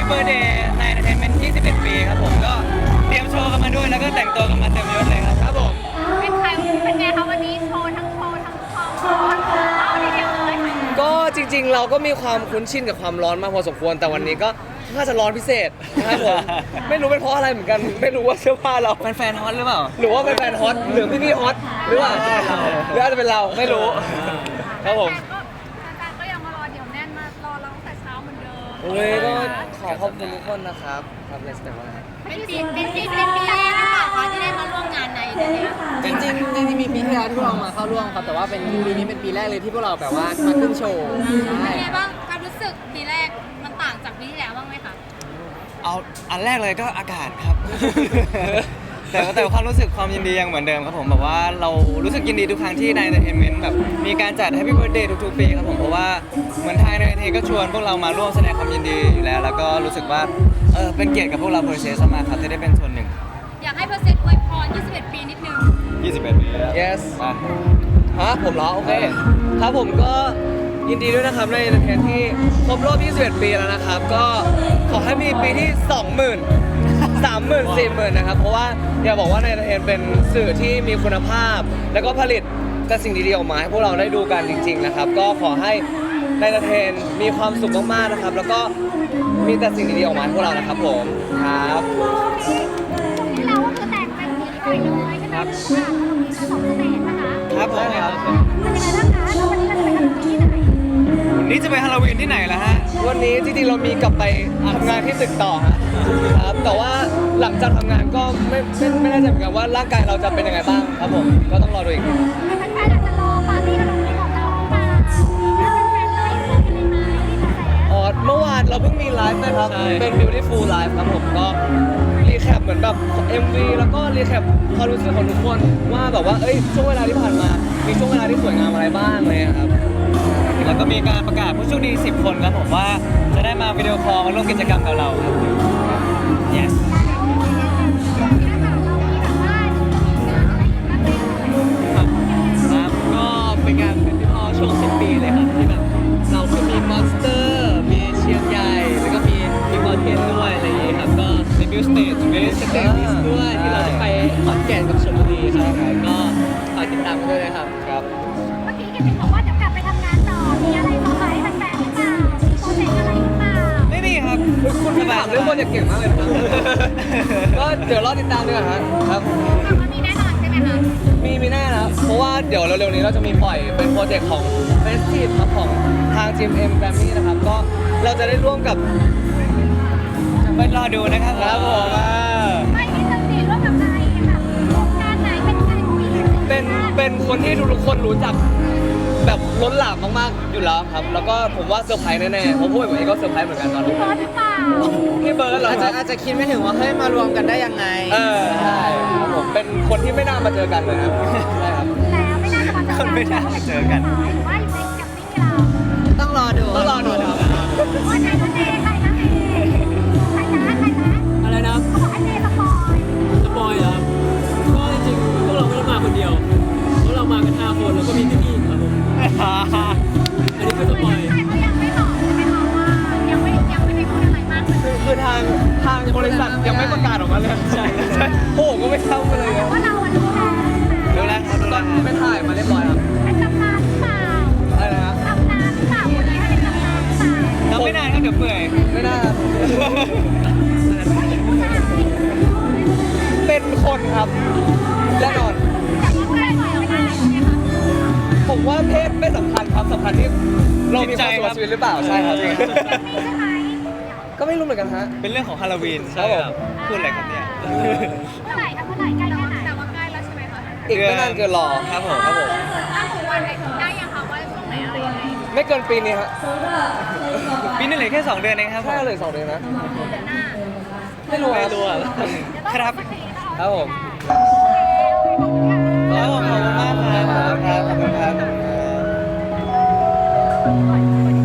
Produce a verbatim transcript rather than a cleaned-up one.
Birthday ใน Entertainment ยี่สิบเอ็ด ปีครับผมก็เตรียมโชว์กันมาด้วยแล้วก็แต่งตัวกันมาเต็มยศเลยครับครับผมเป็นใครเป็นไงคะวันนี้โชว์ทั้งโชว์ทั้งความร้อนเอาดีเดียวเลยก็จริงๆเราก็มีความคุ้นชินกับความร้อนมากพอสมควรแต่วันนี้ก็น่าจะร้อนพิเศษนะครับผมไม่รู้เป็นเพราะอะไรเหมือนกันไม่รู้ว่าเสื้อผ้าเราแฟนๆฮอตหรือเปล่าหรือว่าเป็นแฟนฮอตหรือพี่ๆฮอตหรือว่าหรืออาจจะเป็นเราไม่รู้ครับผมแฟนๆก็ยังมารอเดี๋ยวแน่นมารอเราตั้งแต่เช้าเหมือนเดิมโอ้ยก็ขอขอบคุณทุกคนนะครับครับเลสเตอร์ว่าเป็นปีเป็นปีเป็นปีแรกหรือเปล่าคะที่ได้มาร่วมงานในเนี้ยจริงจริงจริงๆมีปีที่แล้วที่พวกเรามาเข้าร่วมครับแต่ว่าเป็นปีนี้เป็นปีแรกเลยที่พวกเราแบบว่ามาขึ้นโชว์ใช่เป็นไงบ้างความรู้สึกปีแรกมันต่างจากปีที่แล้วบ้างไหมคะเอาอันแรกเลยก็อากาศครับ แต่แต่ความรู้สึกความยินดียังเหมือนเดิมครับผมแบบว่าเรารู้สึกยินดีทุกครั้งที่ใน Entertainment แบบมีการจัด Happy Birthday ทุกๆปีครับผมเพราะว่าเหมือนไทยใน Entertainment ก็ชวนพวกเรามาร่วมแสดงความยินดีอยู่แล้วแล้วก็รู้สึกว่าเออเป็นเกียรติกับพวกเราเพอร์เซสมากครับที่ได้เป็นส่วนหนึ่งอยากให้เพอร์เซนต์อวยพรยี่สิบเอ็ดปีนิดนึงยี่สิบเอ็ดปีแล้ว yes อ่ะฮะผมเหรอโอเคครับผมก็ยินดีด้วยนะครับในเทนที่ครบรอบยี่สิบเอ็ดปีแล้วนะครับก็ขอให้มีปีที่สองหมื่น สามหมื่น สี่หมื่นนะครับเพราะว่าอยากบอกว่าในเทนเป็นสื่อที่มีคุณภาพแล้วก็ผลิตแต่สิ่งดีๆออกมาให้พวกเราได้ดูกันจริงๆนะครับก็ขอให้ในเทนมีความสุขมากๆนะครับแล้วก็มีแต่สิ่งดีๆออกมาให้พวกเรานะครับผมครับที่เราก็คือแต่งเป็นสีไปเลยใช่ไหมครับมีสองเสน่ห์นะคะครับผมครับเป็นยังไงบ้างคะแล้ววันนี้เราจะไปทำที่ไหนวันนี้จะไปฮาโลวีนที่ไหนล่ะฮะวันนี้จริงๆเรามีกลับไปทำงานที่ตึกต่อครับแต่ว่าหลังจากทำงานก็ไม่ไม่ไม่แน่ใจเหมือนกันว่าร่างกายเราจะเป็นยังไงบ้างครับผมก็ต้องรอดูอีกแฟนๆอาจจะรอปาร์ตี้ฮาโลวีนของเราหรือเปล่าแล้วแฟนๆเลยเพื่อนกันเลยไหมที่กระแสอ๋อเมื่อวานเราเพิ่งมีไลฟ์นะครับเป็น Beautiful Live ครับผมก็รีแคปเหมือนแบบ เอ็ม วี แล้วก็รีแคปความรู้สึกของทุกคนว่าแบบว่าเอ้ยช่วงเวลาที่ผ่านมามีช่วงเวลาที่สวยงามอะไรบ้างเลยครับแล้วก็มีการประกาศผู้โชคดีสิบคนครับผมว่าจะได้มาวิดีโอคอลมาร่วมกิจกรรมกับเราครับ yes ครับก็เป็นงานเป็นที่พ่อช่วงสิ้นปีเลยครับที่แบบเราคือมีมอนสเตอร์มีเชียงใหญ่แล้วก็มีมีมอเทนด้วยอะไรอย่างงี้ครับก็ในบิวสเตจมีสเตจด้วยที่เราจะไปขอนแก่นกับชลบุรีครับก็ฝากติดตามกันด้วยนะครับครับเมื่อกี้กิติบอกว่าจะกลับไปทำงานต่อมีอะไรต่อไปแฟนๆหรือเปล่ามีโปรเจกต์อะไรหรือเปล่าไม่มีครับคุณพี่ถามเรื่องโปรเจกต์เก่งมากเลยนะก็เดี๋ยวรอติดตามดีกว่าครับมันมีแน่นอนใช่ไหมคะมีมีแน่นะเพราะว่าเดี๋ยวเร็วๆนี้เราจะมีปล่อยเป็นโปรเจกต์ของ Festive ครับของทาง จี เอ็ม เอ็ม Grammy นะครับก็เราจะได้ร่วมกับไปรอดูนะครับครับผมไม่มีสติร่วมกับใครแบบโครงการไหนเป็นใครคุยเป็นเป็นคนที่ทุกคนรู้จักแบบล้นหลามมากๆอยู่แล้วครับแล้วก็ผมว่าเซอร์ไพรส์แน่ๆเพราะพวกผมเองก็เซอร์ไพรส์เหมือนกันตอนนี้เบิร์ดหรือเปล่าพี่เบิร์ดเหรออาจจะอาจจะคิดไม่ถึงว่าเฮ้ยมารวมกันได้ยังไงเออใช่ครับผมเป็นคนที่ไม่น่ามาเจอกันเลยครับใช่ครับแล้วไม่น่าจะมาเจอกันคนไม่น่ามาเจอกันหรือว่าอยู่ในกับนี่เราต้องรอดูต้องรอดูครับว่าใครคะเจใครคะเจใครนะใครนะอะไรนะเขาบอกให้เจสปอยสปอยเหรอก็จริงๆพวกเราไม่ได้มาคนเดียวพวกเรามากันห้าคนแล้วก็มีพี่ๆครับผมอันนี้คือสปอยแต่เขายังไม่บอกใช่ไหมคะว่ายังไม่ยังไม่ได้พูดอะไรมากเลยคือคือทางทางบริษัทยังไม่ประกาศออกมาเลยใช่ใช่โอ้ก็ไม่ทราบเลยครับว่าเราอะรู้แล้วดูแลครับดูแลไม่ถ่ายมาเรียบร้อยครับเป็นตำนานหรือเปล่าอะไรนะครับตำนานหรือเปล่าคนนี้เป็นตำนานหรือเปล่าเราไม่นานครับเดี๋ยวเปื่อยไม่น่าเป็นคนครับแน่นอนผมว่าเพศไม่สำคัญครับสำคัญที่เรามีความสุขกับชีวิตหรือเปล่าใช่ครับก็ไม่รู้เหมือนกันฮะเป็นเรื่องของฮาโลวีนใช่ครับพูดอะไรครับเนี่ยเมื่อไหร่ครับเมื่อไหร่ใกล้แค่ไหนแต่ว่าใกล้แล้วใช่ไหมคะอีกไม่นานเกินรอครับผมครับผมถ้าถึงวันไหนถึงได้ยังคะว่าช่วงไหนอะไรยังไงไม่เกินปีนี้ฮะปีนึงเหลือแค่สองเดือนเองครับใช่เลยสองเดือนนะไม่รู้ไม่รู้ครับครับผมครับผมขอบคุณมากครับครับขอบคุณครับ